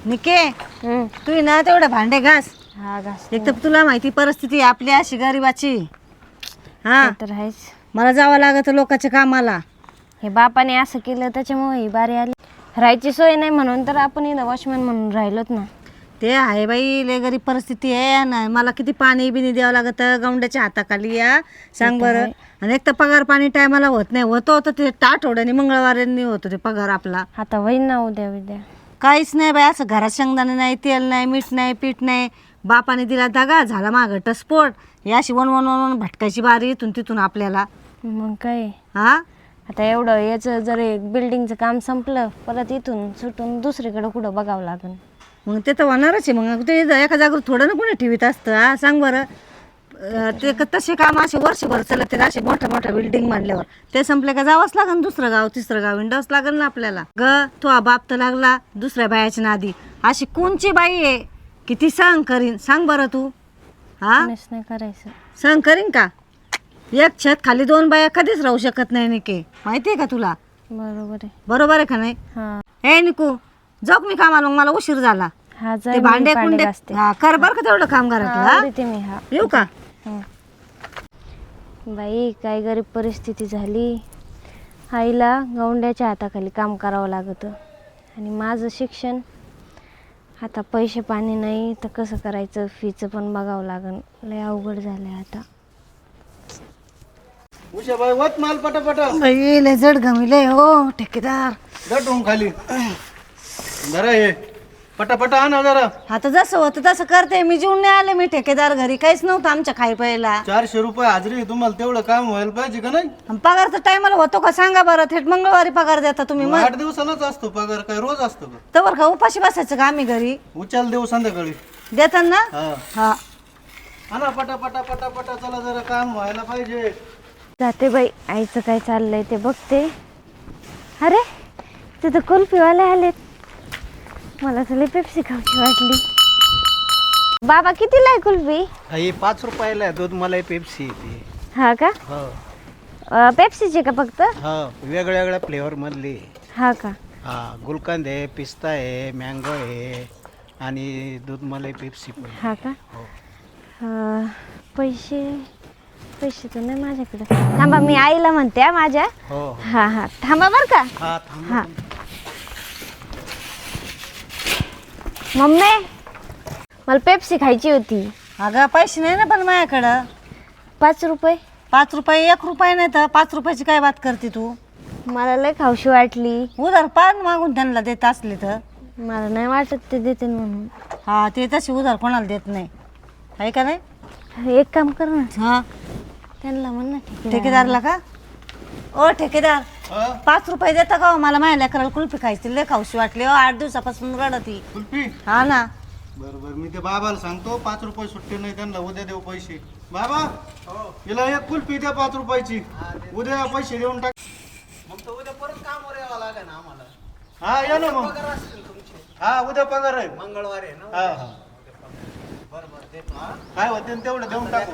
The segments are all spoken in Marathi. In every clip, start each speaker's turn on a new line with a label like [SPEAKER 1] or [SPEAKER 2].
[SPEAKER 1] निके तू ना तेवढं भांडे घास.
[SPEAKER 2] हा घास.
[SPEAKER 1] एक तर तुला माहिती परिस्थिती आपली अशी गरीबाची. हा
[SPEAKER 2] तर आहेच.
[SPEAKER 1] मला जावं लागत लोकांच्या कामाला.
[SPEAKER 2] हे बापाने असं केलं त्याच्यामुळे ही बारी आली. राहायची सोय नाही म्हणून तर आपण इथं वॉचमॅन म्हणून राहिलोत ना.
[SPEAKER 1] ते आहे बाई लय गरीब परिस्थिती आहे ना. मला किती पाणी बिनी द्यावं लागतं गौंड्याच्या हाताखाली या सांग बरं. आणि एक तर पगार पाणी टायमाला होत नाही. होतं ते आठवड्यानी मंगळवाऱ्यांनी होतं ते पगार आपला.
[SPEAKER 2] आता होईन ना उद्या
[SPEAKER 1] काहीच नाही बाई. असं घरात शेंगदाणे नाही, तेल नाही, मीठ नाही, पीठ नाही. बापाने दिला दगा झाला मागं टस्फोट. ही अशी वन भटकायची बारी इथून तिथून आपल्याला.
[SPEAKER 2] मग काय
[SPEAKER 1] हा
[SPEAKER 2] आता एवढं याचं जर एक बिल्डिंगचं काम संपलं परत इथून सुटून दुसरीकडे कुठं बघावं लागेल.
[SPEAKER 1] मग ते तर होणारच आहे. मग ते एका जागेवर थोडं ना कोणी ठेवीत असतं. हा सांग बरं. ते तसे काम असे वर्षभर चालत असे मोठ्या बिल्डिंग मांडल्यावर ते संपले का जावंच लागेल दुसरं गाव तिसरं गाव हिंडावंच लागेल ना आपल्याला. तो बाप तर लागला दुसऱ्या बायाच्या नादी. अशी कोणची बाई आहे किती सहन करीन सांग बरं तू. हा
[SPEAKER 2] नाही करायचं.
[SPEAKER 1] सहन करीन का. एक छत खाली दोन बाया कधीच राहू शकत नाही निके. माहिती आहे का तुला. बरोबर आहे का नाही. हे निकू जाऊ मी कामाला. मग मला उशीर झाला. ते भांडे कुंडे कर बर का तेवढं काम घरातलं. येऊ का.
[SPEAKER 2] बाई काय गरीब परिस्थिती झाली. आईला गौंड्याच्या हाताखाली काम करावं लागतं आणि माझं शिक्षण आता पैसे पाणी नाही तर कसं करायचं. फीचं पण बघावं लागेल. लय अवघड झालंय आता.
[SPEAKER 3] उषाबाई वत माल पटापटा.
[SPEAKER 1] बाई लय जड गमिले हो ठेकेदार.
[SPEAKER 3] दटून खाली जरा हे पटापटा आणा जरा.
[SPEAKER 1] आता जसं होतं तसं करते मी. जेवून नाही आले मी ठेकेदार घरी. काहीच नव्हतं आमच्या खाई प्यायला.
[SPEAKER 3] 400 रुपये हाजरी. तुम्हाला तेवढं काम व्हायला पाहिजे का नाही.
[SPEAKER 1] पगारचा टायमाला होतो का सांगा बरं. थेट मंगळवारी पगार देता तुम्ही. मग
[SPEAKER 3] 8 दिवसालाच असतो पगार. काय रोज असतो का.
[SPEAKER 1] तवर का उपाशी बसायचं का आम्ही घरी.
[SPEAKER 3] उचल देऊ संध्याकाळी
[SPEAKER 1] देतात ना.
[SPEAKER 3] हा
[SPEAKER 1] हा
[SPEAKER 3] आणा पटापटा पटापटा. चला जरा काम व्हायला पाहिजे.
[SPEAKER 2] जाते बाई आईचं काय चाललंय ते बघते. अरे तिथं कुल्फीवाले आलेत. मला तर पेप्सी खाऊची वाटली. बाबा कितीला आहे कुल्फी.
[SPEAKER 3] आई 5 रुपयाला आहे. दूध मलाई पेप्सी येते.
[SPEAKER 2] हा का. पेप्सीची का फक्त.
[SPEAKER 3] हा वेगळ्या वेगळ्या फ्लेवर मधली.
[SPEAKER 2] हा का.
[SPEAKER 3] हा गुलकंद आहे, पिस्ता आहे, मँगो आहे आणि दूध मलाई पेप्सी पण.
[SPEAKER 2] हा का. पैसे तर नाही माझ्याकडे. थांबा मी आईला म्हणते माझ्या.
[SPEAKER 3] हो
[SPEAKER 2] हा थांबा बर का. हा मम्मी मला पेप्सी खायची होती.
[SPEAKER 1] अगं पैसे नाही ना पण माझ्याकडं.
[SPEAKER 2] 5 रुपये.
[SPEAKER 1] 5 रुपये 1 रुपये नाही तर 5 रुपयाची काय बात करते तू.
[SPEAKER 2] मला लय खाऊशी वाटली.
[SPEAKER 1] उधार पान मागून त्यांना देत असले तर.
[SPEAKER 2] मला नाही वाटत ते देते म्हणून.
[SPEAKER 1] हा ते तशी उधार कोणाला देत नाही आहे का नाही.
[SPEAKER 2] एक काम कर ना.
[SPEAKER 1] हा
[SPEAKER 2] त्यांना म्हण ना
[SPEAKER 1] ठेकेदारला का. ओ ठेकेदार 5 रुपये देता का. मला माझ्या लेकराला कुल्फी खायची लय खाऊशी वाटली. 8 दिवसापासून रडती.
[SPEAKER 3] कुल्फी.
[SPEAKER 1] हा ना.
[SPEAKER 3] बरोबर मी ते बाबाला सांगतो. 5 रुपये सुट्टे नाही त्यांना. उद्या देऊ पैसे. बाबा हिला एक कुल्फी द्या 5 रुपयाची. उद्या पैसे देऊन टाक. मग तर उद्या परत कामावर यावं लागेल ना आम्हाला. हा या ना मग. हा उद्या पगार आहे. मंगळवारी आहे ना. हा काय होते तेवढं देऊन टाकू.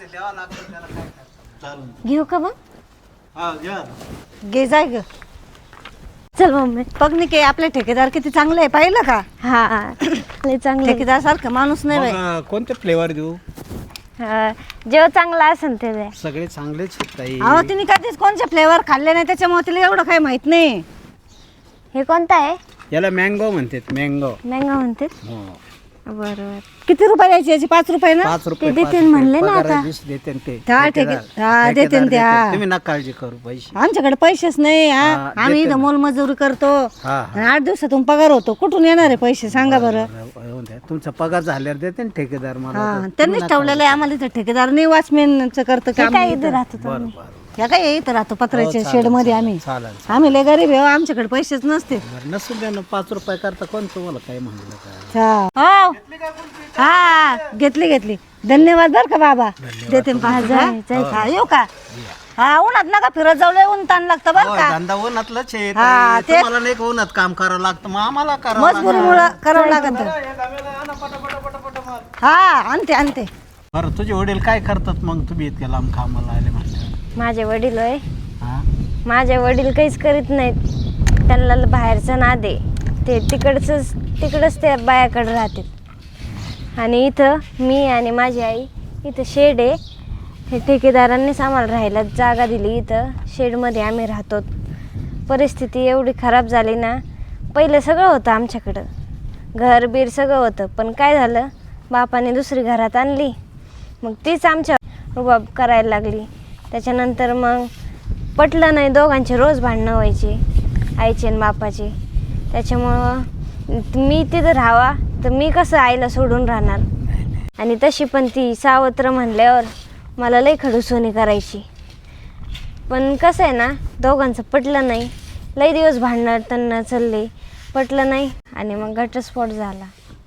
[SPEAKER 3] चालेल.
[SPEAKER 2] घेऊ का मग.
[SPEAKER 3] हा घ्या.
[SPEAKER 1] घे जाय ग.
[SPEAKER 2] चल मम्मी.
[SPEAKER 1] बघ निके आपले ठेकेदार किती चांगले आहे पाहिलं का.
[SPEAKER 2] हा लय चांगले.
[SPEAKER 1] ठेकेदार सारखं माणूस नाही बाई.
[SPEAKER 3] मग कोणते फ्लेवर देऊ.
[SPEAKER 2] जेव्हा चांगला असेल ते द्या.
[SPEAKER 3] सगळे चांगलेच आहेत.
[SPEAKER 1] अहो तिने कधीच कोणते फ्लेवर खाल्ले नाही त्याच्यामुळे तिला एवढं काही माहित नाही.
[SPEAKER 2] हे कोणतं आहे.
[SPEAKER 3] याला मँगो म्हणतात. मँगो.
[SPEAKER 2] मँगो म्हणते. बरोबर.
[SPEAKER 1] किती रुपये द्यायची याची. 5 रुपये ना.
[SPEAKER 3] 5 रुपये.
[SPEAKER 2] ते देते म्हणले ना आता.
[SPEAKER 3] देते ते.
[SPEAKER 1] हा देते त्या.
[SPEAKER 3] तुम्ही ना काळजी करू. पैसे
[SPEAKER 1] आमच्याकडे पैसेच नाही.
[SPEAKER 3] हा,
[SPEAKER 1] आम्ही इथं मोलमजुरी करतो.
[SPEAKER 3] हा
[SPEAKER 1] आणि 8 दिवसातून पगार होतो. कुठून येणार आहे पैसे सांगा बरं.
[SPEAKER 3] तुमचा पगार झाल्यावर देते ना ठेकेदार मला.
[SPEAKER 1] हा त्यांनीच ठेवलेलं आहे आम्हाला इथं ठेकेदार नाही. वॉचमॅनचं करतं काम.
[SPEAKER 2] काय इथं राहतो तुम्ही.
[SPEAKER 1] ह्या काय इथं राहतो पत्र्याच्या शेड मध्ये आम्ही.
[SPEAKER 3] चालेल.
[SPEAKER 1] आम्ही लय गरीब आहे. आमच्याकडे पैसेच नसते.
[SPEAKER 3] नसू द्या ना. 5 रुपये करता कोण तुम्हाला काय म्हणलं का.
[SPEAKER 1] हो हा घेतली. धन्यवाद बर का बाबा. देते ना 5 रुपये. हा येऊ का. हा उन्हात नका फिरत जाऊ. लय ऊन ताण लागतं बर का.
[SPEAKER 3] धंदा उन्हातलंच आहे.
[SPEAKER 1] हा, ते-
[SPEAKER 3] तुम्हाला नाही का उन्हात काम करावं लागतं. मग आम्हाला करावं लागतं.
[SPEAKER 1] मजबुरीमुळं करावं लागत. हा आणते.
[SPEAKER 3] बरं तुझे वडील काय करतात मग. तुम्ही इतक्या लांब कामाला आले म्हणले.
[SPEAKER 2] माझे वडील होय.
[SPEAKER 3] हा
[SPEAKER 2] माझे वडील काहीच करीत नाहीत. त्यांना बाहेरचं नाद आहे. ते तिकडंच त्या बायाकडे राहतात. आणि इथं मी आणि माझी आई, इथं शेड आहे, हे ठेकेदारांनीच आम्हाला राहायला जागा दिली. इथं शेडमध्ये आम्ही राहतो. परिस्थिती एवढी खराब झाली ना, पहिलं सगळं होतं आमच्याकडं, घर बीर सगळं होतं, पण काय झालं, बापाने दुसरी घरात आणली, मग तीच आमच्या रुबाब करायला लागली. त्याच्यानंतर मग पटलं नाही, दोघांचे रोज भांडणं व्हायचे, आईचे आणि बापाचे. त्याच्यामुळं मी तिथं राहावा तर मी कसं आईला सोडून राहणार. आणि तशी पण ती सावत्र म्हणल्यावर मला लई खडूसोनी करायची. पण कसं आहे ना, दोघांचं पटलं नाही, लई दिवस भांडणं त्यांना चालले, पटलं नाही आणि मग घटस्फोट झाला.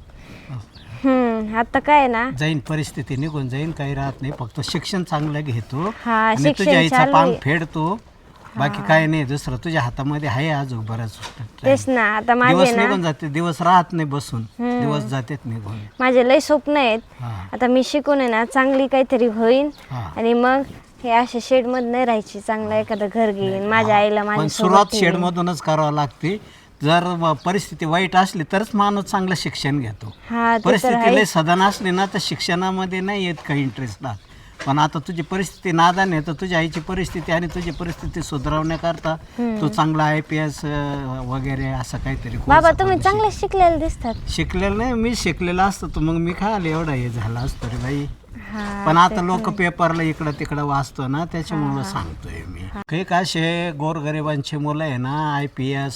[SPEAKER 2] आता काय आहे ना,
[SPEAKER 4] जाईन परिस्थिती निघून जाईन, काही राहत नाही. फक्त शिक्षण चांगलं घेतो
[SPEAKER 2] हा,
[SPEAKER 4] आणि
[SPEAKER 2] शिक्षण
[SPEAKER 4] तुझ्या आईचा
[SPEAKER 2] चालू
[SPEAKER 4] पान
[SPEAKER 2] आहे.
[SPEAKER 4] फेडतो, बाकी काय नाही. दुसरं तुझ्या हातामध्ये आहे अजून बरंच.
[SPEAKER 2] तेच ना, आता माझे
[SPEAKER 4] दिवस
[SPEAKER 2] ना
[SPEAKER 4] निघून जाते, दिवस राहत नाही बसून, दिवस जातात निघून.
[SPEAKER 2] माझे लई स्वप्न आहेत.
[SPEAKER 4] हा.
[SPEAKER 2] आता मी शिकून आहे ना, चांगली काहीतरी होईन
[SPEAKER 4] हा.
[SPEAKER 2] आणि मग हे अशा शेडमध्ये नाही राहायची, चांगलं एखादं घर घेईन, माझ्या आईला
[SPEAKER 4] पण
[SPEAKER 2] माझ्या
[SPEAKER 4] सुरुवात शेडमधूनच करावं लागते. जर परिस्थिती वाईट असली तरच माणूस चांगलं शिक्षण घेतो.
[SPEAKER 2] हा, ते तर
[SPEAKER 4] परिस्थिती
[SPEAKER 2] आहे.
[SPEAKER 4] लय सदन असली ना तर शिक्षणामध्ये नाही येत काही इंटरेस्ट राहत. पण आता तुझी परिस्थिती नादान आहे, तर तुझ्या आईची परिस्थिती आणि तुझी परिस्थिती सुधारवण्याकरता तू चांगला IPS वगैरे असं काहीतरी course
[SPEAKER 2] बाबा तुम्ही
[SPEAKER 4] करून
[SPEAKER 2] चांगले शिकलेले दिसतात.
[SPEAKER 4] शिकलेलं नाही. मी शिकलेला असतो तर मग मी काय आले एवढा हे झाला असतो रे बाई.
[SPEAKER 2] हा,
[SPEAKER 4] पण आता लोक पेपरला इकडं तिकडं वाचतो ना, त्याच्यामुळं सांगतोय मी. काही का असे गोरगरिबांची मुलं आहे ना, IPS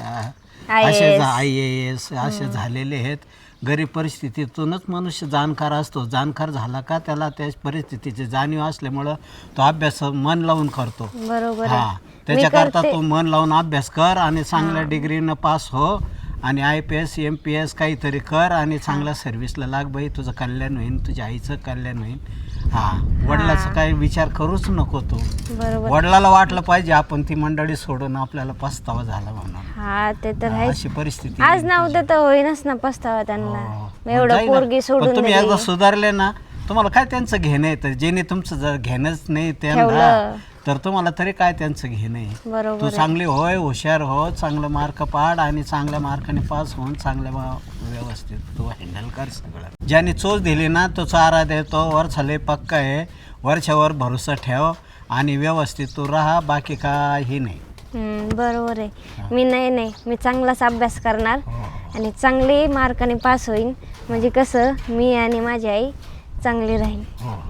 [SPEAKER 4] असे IAS असे झालेले आहेत. गरीब परिस्थितीतूनच मनुष्य जाणकार असतो. जाणकार झाला का त्याला त्या परिस्थितीची जाणीव असल्यामुळं तो अभ्यास मन लावून करतो.
[SPEAKER 2] बरोबर
[SPEAKER 4] हा,
[SPEAKER 2] आहे.
[SPEAKER 4] त्याच्याकरता तू मन लावून अभ्यास कर आणि चांगल्या डिग्रीनं पास हो आणि IPS MPS काहीतरी कर आणि चांगल्या सर्व्हिसला लाग बाई. तुझं कल्याण होईल, तुझ्या आईचं कल्याण होईल. हा, वडिलाचं काही विचार करूच नको तू.
[SPEAKER 2] बरोबर.
[SPEAKER 4] वडिलाला वाटलं पाहिजे आपण ती मंडळी सोडून आपल्याला पस्तावा झाला म्हणून.
[SPEAKER 2] हा, ते तर आहे.
[SPEAKER 4] अशी परिस्थिती
[SPEAKER 2] आज ना उद्या तर होईनच ना पस्तावा त्यांना.
[SPEAKER 4] हो.
[SPEAKER 2] एवढं
[SPEAKER 4] जाई ना.
[SPEAKER 2] पोरगी
[SPEAKER 4] पण
[SPEAKER 2] सोडून
[SPEAKER 4] तुम्ही
[SPEAKER 2] दिली.
[SPEAKER 4] एकदा सुधारले ना, तुम्हाला काय त्यांचं घेणं आहे. तर ज्याने तुमचं जर घेणंच नाही त्यांना,
[SPEAKER 2] ठेवलं.
[SPEAKER 4] तर तुम्हाला तरी काय त्यांचं घेणं आहे.
[SPEAKER 2] बरोबर
[SPEAKER 4] तू
[SPEAKER 2] आहे.
[SPEAKER 4] चांगली होय, हुशार हो, चांगलं मार्क पाड आणि चांगल्या मार्काने पास होऊन चांगल्या व्यवस्थित तू हँडल कर सगळं. ज्याने चोच दिली ना तो चारा देतो. वरचा लय पक्का आहे, वरच्यावर भरोसा ठेव आणि व्यवस्थित तू राहा, बाकी काही नाही.
[SPEAKER 2] बरोबर आहे. मी मी चांगलाच अभ्यास करणार आणि चांगली मार्काने पास होईन, म्हणजे कसं मी आणि माझी आई चांगली राहील.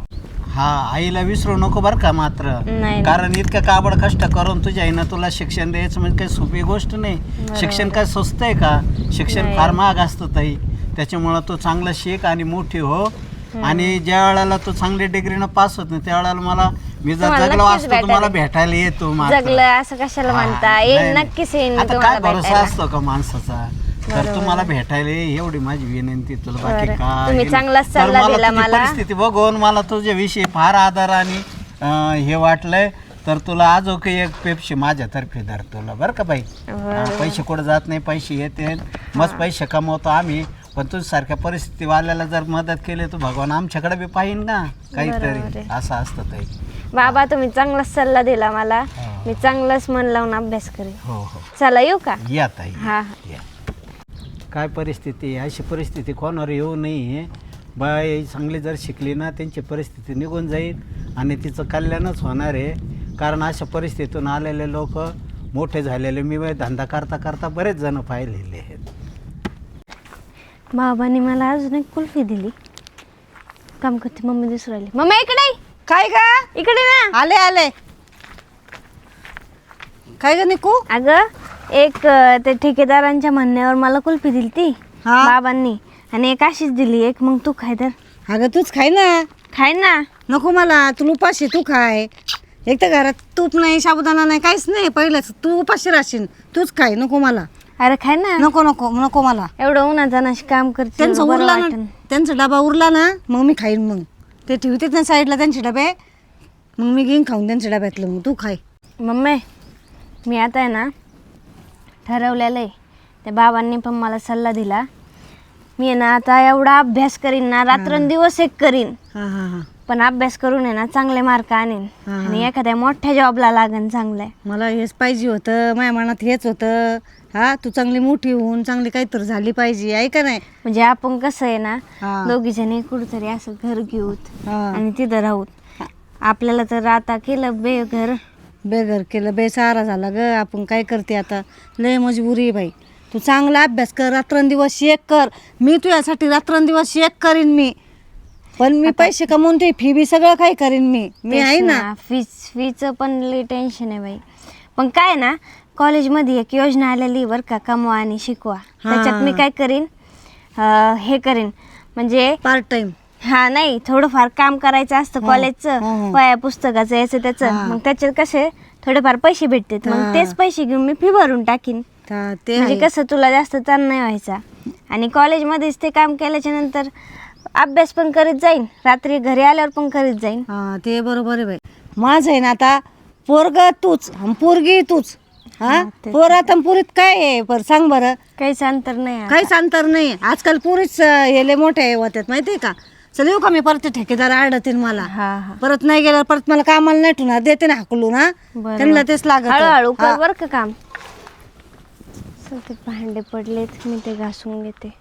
[SPEAKER 4] हा, आईला विसरू नको बरं का मात्र.
[SPEAKER 2] नाही.
[SPEAKER 4] कारण इतकं काबड कष्ट करून तुझ्या आईनं तुला शिक्षण द्यायचं म्हणजे काही सोपी गोष्ट नाही. शिक्षण काय स्वस्त आहे का? शिक्षण फार महाग असतं ताई. त्याच्यामुळं तू चांगलं शिक आणि मोठी हो. आणि ज्या वेळेला तू चांगली डिग्रीनं पास होत नाही त्यावेळेला मी जर
[SPEAKER 2] तुम्हाला
[SPEAKER 4] जगलो
[SPEAKER 2] नक्कीच
[SPEAKER 4] असतो तुम्हाला भेटायला येतो मात्र.
[SPEAKER 2] जगलं असं कशाला म्हणता
[SPEAKER 4] हा,
[SPEAKER 2] येईल,
[SPEAKER 4] नाही,
[SPEAKER 2] नक्कीच येईन मी
[SPEAKER 4] आता
[SPEAKER 2] तुम्हाला
[SPEAKER 4] काय भरोसा
[SPEAKER 2] भेटायला.
[SPEAKER 4] असतो का माणसाचा? तर तुम्हाला भेटायला ये, एवढी माझी विनंती तुला, बाकी
[SPEAKER 2] बरं.
[SPEAKER 4] काय
[SPEAKER 2] तुम्ही
[SPEAKER 4] नाही.
[SPEAKER 2] चांगलाच
[SPEAKER 4] तर
[SPEAKER 2] सल्ला
[SPEAKER 4] मला
[SPEAKER 2] दिला
[SPEAKER 4] तुझी
[SPEAKER 2] मला.
[SPEAKER 4] परिस्थिती बघून मला तुझ्याविषयी फार आदर आणि हे वाटलंय. तर तुला आजो काही एक पेप्सी माझ्यातर्फे धर तुला बरं का बाई. पैसे कुठं जात नाही, पैसे येते, मस्त पैसे कमवतो आम्ही. पण तुझ्यासारख्या परिस्थिती वाल्याला जर मदत केली तर भगवान आमच्याकडे बी पाहिजे ना काहीतरी. असं असतं ताई.
[SPEAKER 2] बाबा तुम्ही चांगलाच सल्ला दिला मला. मी चांगलाच मन लावून अभ्यास करेन.
[SPEAKER 4] हो हो,
[SPEAKER 2] चला येऊ का?
[SPEAKER 4] या ताई
[SPEAKER 2] हा.
[SPEAKER 4] या. काय परिस्थिती आहे, अशी परिस्थिती कोणावर येऊ नये. बाई चांगली जर शिकली ना त्यांची परिस्थिती निघून जाईल आणि तिचं कल्याणच होणार आहे. कारण अशा परिस्थितीतून आलेले लोक मोठे झालेले मी धंदा करता करता बरेच जण पाहिलेले आहेत.
[SPEAKER 2] बाबांनी मला अजून एक कुल्फी दिली. काम करते मम्मी दिसून राहिली. मम्मी इकडे ये.
[SPEAKER 1] काय का
[SPEAKER 2] इकडे ना.
[SPEAKER 1] आले आले. काय ग निकू?
[SPEAKER 2] अगं एक ते ठेकेदारांच्या म्हणण्यावर मला कुल्फी दिली ती
[SPEAKER 1] हा.
[SPEAKER 2] बाबांनी, आणि एक अशीच दिली. एक मग तू खाय तर.
[SPEAKER 1] अगं तूच खाय ना.
[SPEAKER 2] खाय ना.
[SPEAKER 1] नको मला, तू उपाशी तू खाय. एक तर घरात तूप नाही, साबुदाणा नाही, काहीच नाही. पहिलंच तू उपाशी राहशील. तूच खाय, नको मला.
[SPEAKER 2] अरे खाय ना.
[SPEAKER 1] नको नको नको मला.
[SPEAKER 2] एवढं उन्हातानाशी काम करते,
[SPEAKER 1] त्यांचं
[SPEAKER 2] बरं
[SPEAKER 1] उरला ना,
[SPEAKER 2] वाटेल.
[SPEAKER 1] त्यांचा डबा उरला ना मग मी खाईन. मग ते ठेवतात ना साईडला त्यांचे डबे, मग मी घेईन खाऊन त्यांच्या डब्यातलं. मग तू खाय.
[SPEAKER 2] मम्मी मी आता आहे ना ठरवलेलं आहे. त्या बाबांनी पण मला सल्ला दिला. मी आहे ना आता एवढा अभ्यास करीन ना, रात्रंदिवस एक करीन.
[SPEAKER 1] हां हां हां.
[SPEAKER 2] पण अभ्यास करून आहे ना चांगले मार्क आणेन आणि एखाद्या मोठ्या जॉबला लागन चांगलं आहे.
[SPEAKER 1] मला हेच पाहिजे होतं, माझ्या मनात हेच होतं. हा, तू चांगली मोठी होऊन चांगली काहीतरी झाली पाहिजे, आहे का नाही?
[SPEAKER 2] म्हणजे आपण कसं आहे ना
[SPEAKER 1] हा.
[SPEAKER 2] दोघी जणी कुठेतरी असं घर घेऊत
[SPEAKER 1] हा.
[SPEAKER 2] आणि तिथं राहूत. आपल्याला तर आता केलं बेघर.
[SPEAKER 1] बेघर केलं, बेसहारा झाला ग. आपण काय करते आता, लय मजबुरी आहे बाई. तू चांगला अभ्यास कर, रात्रंदिवस एक कर. मी तुझ्यासाठी रात्रंदिवस एक करीन मी, पण मी पैसे कमवून ते फी बी सगळं काय करीन मी आहे ना.
[SPEAKER 2] फीचं पण लई टेन्शन आहे बाई. पण काय ना कॉलेजमध्ये एक योजना आलेली बरं का, कमवा आणि शिकवा. त्याच्यात मी काय करीन, हे करीन म्हणजे
[SPEAKER 1] पार्ट टाइम.
[SPEAKER 2] हा नाही, थोडंफार काम करायचं असतं कॉलेजचं, वह्या पुस्तकाचं याचं त्याचं. मग त्याच्यात कसे थोडेफार पैसे भेटतात, मग तेच पैसे घेऊन मी फी भरून टाकीन.
[SPEAKER 1] ते
[SPEAKER 2] म्हणजे कसं तुला जास्त ताण नाही व्हायचा. आणि कॉलेजमध्येच ते काम केल्याच्या नंतर अभ्यास पण करीत जाईन, रात्री घरी आल्यावर पण करीत जाईन.
[SPEAKER 1] हा, ते बरोबर आहे बाई. माझं आहे ना आता, पोरग तूच आणि पोरगी तूच. हा, पोरात आणि पुरीत काय आहे बरं सांग बरं?
[SPEAKER 2] काहीच अंतर नाही आता.
[SPEAKER 1] काहीच अंतर नाही. आजकाल पुरीच हेले मोठे होत्यात माहितीये का. चल येऊ का मी, परत ते ठेकेदार आडतील मला.
[SPEAKER 2] हा हा,
[SPEAKER 1] परत नाही गेल्यावर परत मला कामाला नाही ठेवणार, देते ना हाकलून. हा,
[SPEAKER 2] बरं.
[SPEAKER 1] त्यांना तेच लागत.
[SPEAKER 2] हळूहळू कर बरं का काम. चल, ते भांडे पडलेत, मी ते घासून घेते.